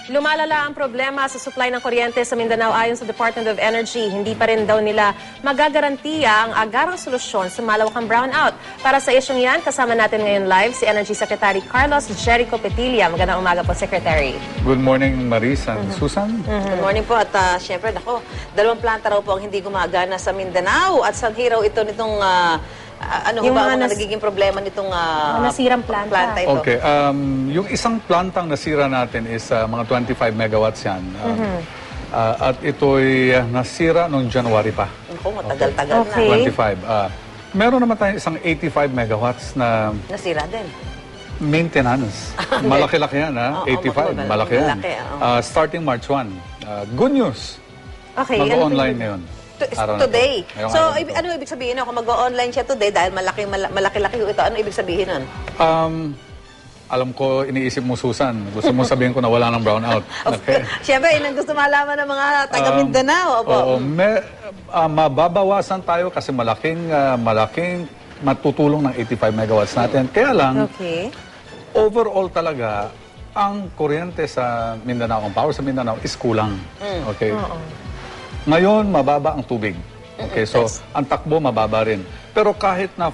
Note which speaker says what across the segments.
Speaker 1: Lumalala ang problema sa supply ng kuryente sa Mindanao ayon sa Department of Energy. Hindi pa rin daw nila magagarantiya ang agarang solusyon sa malawakang brownout. Para sa isyong yan, kasama natin ngayon live si Energy Secretary Carlos Jerico Petilla. Magandang umaga po, Secretary.
Speaker 2: Good morning, Maris and Susan.
Speaker 3: Good morning po. At syempre, dalawang planta raw po ang hindi gumagana sa Mindanao. At saan hiraw ito nitong... ano
Speaker 1: Yung
Speaker 3: ba ang
Speaker 1: mga
Speaker 3: nagiging problema nitong
Speaker 1: nasirang planta
Speaker 3: ito?
Speaker 2: Okay, yung isang plantang nasira natin is mga 25 megawatts yan. At ito'y nasira noong January pa.
Speaker 3: Ako, matagal-tagal
Speaker 1: Okay.
Speaker 2: 25. Meron naman tayong isang 85 megawatts na
Speaker 3: na. Nasira din.
Speaker 2: maintenance. Malaki-laki yan, ha? 85, malaki yan. Starting March 1. Good news.
Speaker 1: Okay.
Speaker 2: Mag-online ngayon.
Speaker 3: Today.
Speaker 2: Ngayong
Speaker 3: So,
Speaker 2: araw na to.
Speaker 3: ano ibig sabihin kung mag-online siya today dahil malaki-laki ito, ano ibig sabihin nun?
Speaker 2: Alam ko, iniisip mo, Susan. Gusto mo sabihin ko na wala ng brownout. Okay.
Speaker 3: Siyempre, yun ang gusto malaman ng mga taga-Mindanao.
Speaker 2: Oo, mababawasan tayo kasi malaking matutulong ng 85 megawatts natin. Kaya lang,
Speaker 1: Okay.
Speaker 2: overall talaga, ang kuryente sa Mindanao, ang power sa Mindanao is kulang. Okay. Ngayon, mababa ang tubig. Okay, so ang takbo mababa rin. Pero kahit na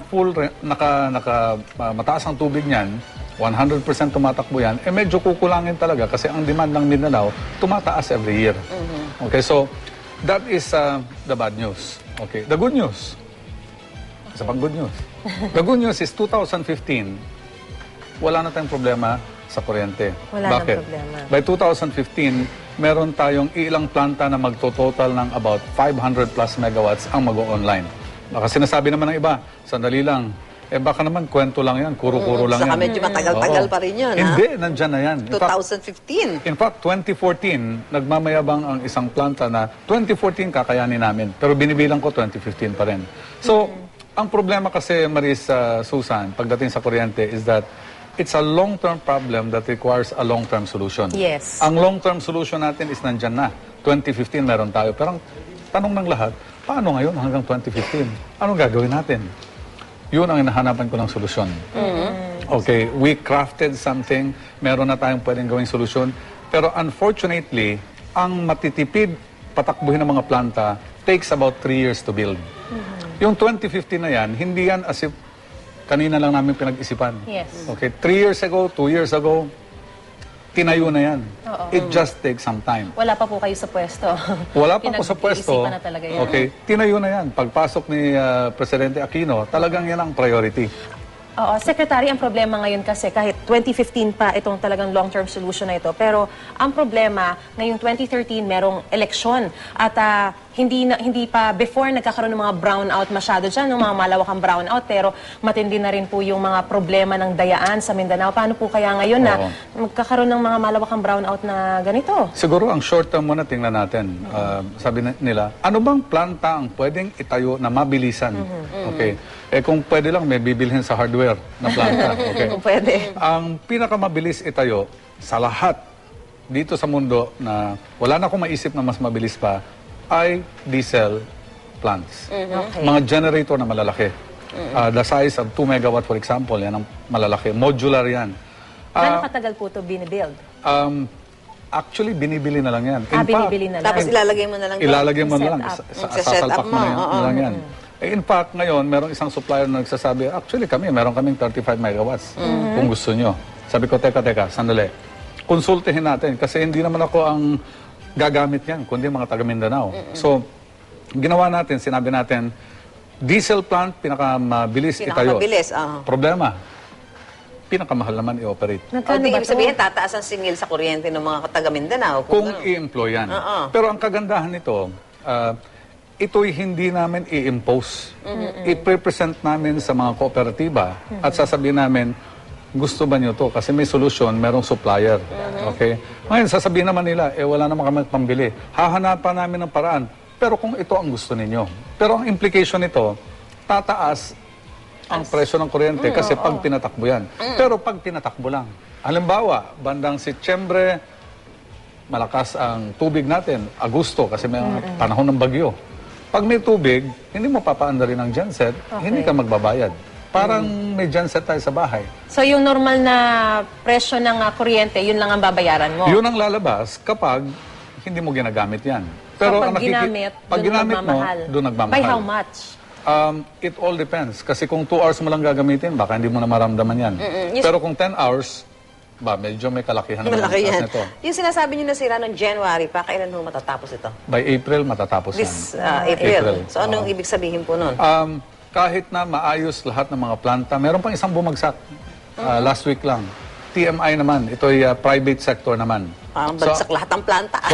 Speaker 2: mataas ang tubig niyan, 100% tumatakbo yan, medyo kukulangin talaga kasi ang demand ng Mindanao tumataas every year. Okay, so that is the bad news. Okay, the good news. Isa pang good news. The good news is 2015, wala na tayong problema sa kuryente.
Speaker 1: Wala
Speaker 2: Bakit?
Speaker 1: nang problema.
Speaker 2: By 2015, meron tayong ilang planta na magtototal ng about 500 plus megawatts ang mag-o-online. Baka sinasabi naman ng iba, sandali lang, baka naman kwento lang yan, kuro-kuro lang
Speaker 3: Saka
Speaker 2: yan.
Speaker 3: medyo matagal-tagal pa rin yun,
Speaker 2: Hindi, nandyan na yan.
Speaker 3: 2015.
Speaker 2: In fact, 2014, nagmamayabang ang isang planta na 2014 kakayanin namin. Pero binibilang ko 2015 pa rin. So, ang problema kasi, Maris, Susan, pagdating sa kuryente is that it's a long-term problem that requires a long-term solution.
Speaker 1: Yes.
Speaker 2: Ang long-term solution natin is nandyan na. 2015 meron tayo. Pero ang tanong ng lahat, paano ngayon hanggang 2015? Anong gagawin natin? Yun ang hinahanapan ko ng solusyon. Okay, we crafted something. Meron na tayong pwedeng gawing solusyon. Pero unfortunately, ang matitipid patakbuhin ng mga planta takes about 3 years to build. Yung 2015 na yan, hindi yan as if kanina lang namin pinag-isipan.
Speaker 1: Yes.
Speaker 2: Okay, 3 years ago, 2 years ago, tinayo na yan. It just takes some time.
Speaker 1: Wala pa po kayo sa pwesto.
Speaker 2: Wala pa po sa pwesto.
Speaker 1: Pinag-iisipan na talaga yan.
Speaker 2: Okay, tinayo na yan. Pagpasok ni Presidente Aquino, talagang yan ang priority.
Speaker 1: Oo, Secretary, ang problema ngayon kasi kahit 2015 pa itong talagang long-term solution na ito, pero ang problema ngayong 2013 merong eleksyon at hindi pa before nagkakaroon ng mga brownout masyado dyan, ng mga malawakang brownout, pero matindi na rin po yung mga problema ng dayaan sa Mindanao. Paano po kaya ngayon na magkakaroon ng mga malawakang brownout na ganito?
Speaker 2: Siguro ang short term muna tingnan natin. Sabi nila, ano bang planta ang pwedeng itayo na mabilisan? Okay. Kung pwede lang, may bibilhin sa hardware na planta. Okay.
Speaker 3: Kung pwede.
Speaker 2: Ang pinakamabilis itayo sa lahat dito sa mundo na wala na akong maisip na mas mabilis pa ay diesel plants.
Speaker 1: Okay.
Speaker 2: Mga generator na malalaki. The size of 2 megawatt, for example, yan ang malalaki. Modular yan.
Speaker 1: Ano katagal po ito binibuild?
Speaker 2: Actually, binibili na lang yan.
Speaker 1: Binibili na lang.
Speaker 3: Tapos ilalagay mo na lang.
Speaker 2: Ilalagay mo na lang.
Speaker 3: Set
Speaker 2: Sasalpak
Speaker 3: up
Speaker 2: mo
Speaker 3: mo.
Speaker 2: na lang yan. In fact, ngayon, merong isang supplier na nagsasabi, actually meron kaming 35 megawatts kung gusto nyo. Sabi ko, teka, sandali. Konsultihin natin kasi hindi naman ako ang gagamit yan, kundi mga taga Mindanao. So, ginawa natin, sinabi natin, diesel plant, pinakamabilis itayo.
Speaker 3: Pinakamabilis,
Speaker 2: Problema, pinakamahal naman i-operate.
Speaker 1: Nagkano ba
Speaker 3: ibig
Speaker 1: to?
Speaker 3: sabihin, tataas ang singil sa kuryente ng mga taga Mindanao.
Speaker 2: Kung i-employ yan. Pero ang kagandahan nito, ito'y hindi namin i-impose. I-present namin sa mga kooperatiba at sasabihin namin, gusto ba nyo to? Kasi may solusyon, merong supplier. Okay? Ngayon, sasabihin naman nila, wala naman kami pambili. Hahanapan namin ng paraan. Pero kung ito ang gusto ninyo. Pero ang implication nito, tataas ang presyo ng kuryente kasi pag tinatakbo yan. Pero pag tinatakbo lang. Halimbawa, bandang Setyembre, malakas ang tubig natin. Agosto, kasi may panahon ng bagyo. Pag may tubig, hindi mo papaandarin ang genset, hindi ka magbabayad. Parang may genset tayo sa bahay.
Speaker 1: So yung normal na presyo ng kuryente, yun lang ang babayaran mo.
Speaker 2: Yun ang lalabas kapag hindi mo ginagamit yan.
Speaker 1: Kapag ginamit,
Speaker 2: pag
Speaker 1: dun
Speaker 2: ginamit mo,
Speaker 1: nagmamahal.
Speaker 2: doon nagmamahal.
Speaker 1: By how much?
Speaker 2: It all depends. Kasi kung 2 hours mo lang gagamitin, baka hindi mo na maramdaman yan. Pero kung 10 hours, medyo may kalakihan naman ang
Speaker 3: Malaki
Speaker 2: taas
Speaker 3: yan.
Speaker 2: nito.
Speaker 3: Yung sinasabi nyo nasira noong January pa, kailan mo matatapos ito?
Speaker 2: By April, matatapos
Speaker 3: This
Speaker 2: yan.
Speaker 3: April. So anong ibig sabihin po nun?
Speaker 2: Kahit na maayos lahat ng mga planta, meron pang isang bumagsak. Last week lang. TMI naman, ito ay private sector naman.
Speaker 3: Parang bagsak lahat ng planta.
Speaker 2: So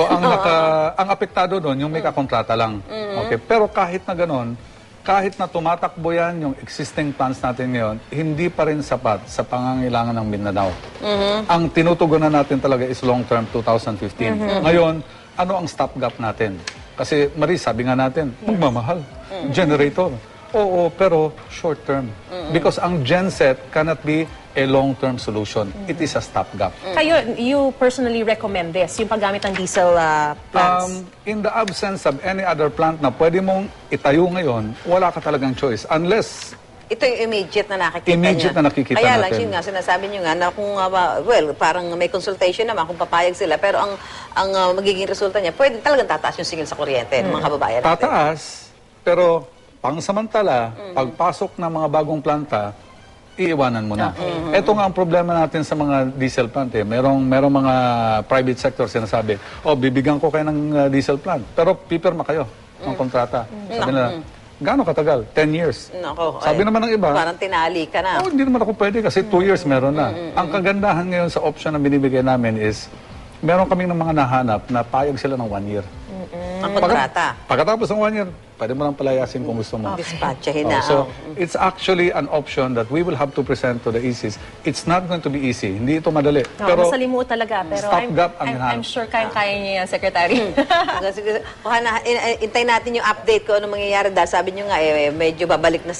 Speaker 2: ang apektado doon, yung may kakontrata lang. Okay, pero kahit na ganoon, kahit na tumatakbo yan yung existing plans natin ngayon, hindi pa rin sapat sa pangangailangan ng Mindanao. Ang tinutugunan natin talaga is long-term 2015. Ngayon, ano ang stopgap natin? Kasi Marie, sabi nga natin, magmamahal. Generator. Oo, pero short-term. Because ang genset cannot be a long-term solution. It is a stopgap.
Speaker 1: Kayo, you personally recommend this, yung paggamit ng diesel plants?
Speaker 2: In the absence of any other plant na pwede mong itayo ngayon, wala ka talagang choice. Unless
Speaker 3: Ito yung immediate na nakikita
Speaker 2: Immediate
Speaker 3: niya.
Speaker 2: na nakikita
Speaker 3: Kaya lang,
Speaker 2: natin.
Speaker 3: yun nga, sinasabi niyo nga na kung, parang may consultation naman kung papayag sila, pero ang magiging resulta niya, pwede talagang tataas yung singil sa kuryente ng mga kababayan natin.
Speaker 2: tataas, pero pangsamantala, pagpasok ng mga bagong planta, iiwanan mo na. Ito nga ang problema natin sa mga diesel plant. Merong mga private sector sinasabi, bibigyan ko kayo ng diesel plant, pero pipirma kayo ng kontrata. Sabi nila, gaano katagal? 10 years.
Speaker 3: Nako,
Speaker 2: Sabi naman ng iba,
Speaker 3: parang tinali ka na.
Speaker 2: hindi naman ako pwede kasi 2 years meron na. Ang kagandahan ngayon sa option na binibigay namin is, meron kaming ng mga nahanap na payag sila ng 1 year.
Speaker 3: Ang kontrata.
Speaker 2: Pagkatapos ng 1 year, pwede mo lang palayasin kung gusto mo.
Speaker 3: Dispatchahin na.
Speaker 2: So, it's actually an option that we will have to present to the ECs. It's not going to be easy. Hindi ito madali.
Speaker 1: Pero masalimuot talaga. Pero
Speaker 2: stopgap ang
Speaker 1: I'm
Speaker 2: hinahanap.
Speaker 1: sure kayang-kaya niya yan, Secretary.
Speaker 3: Sige, intay natin yung update ko ano mangyayari dahil sabi niyo nga medyo babalik na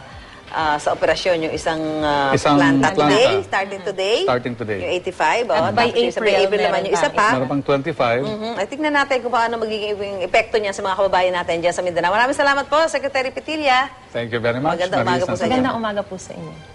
Speaker 3: sa operasyon yung isang planta today, starting today.
Speaker 2: Starting today.
Speaker 3: Yung 85.
Speaker 1: At by
Speaker 3: tapos yung sa
Speaker 1: April,
Speaker 3: April naman
Speaker 1: meron
Speaker 3: yung isa pa.
Speaker 2: Meron pang 25.
Speaker 3: Ay, tignan natin kung paano magiging yung epekto niya sa mga kababayan natin dyan sa Mindanao. Maraming salamat po, Secretary Petilla.
Speaker 2: Thank you very much.
Speaker 3: Magandang umaga po sa inyo.
Speaker 1: Magandang umaga po sa inyo.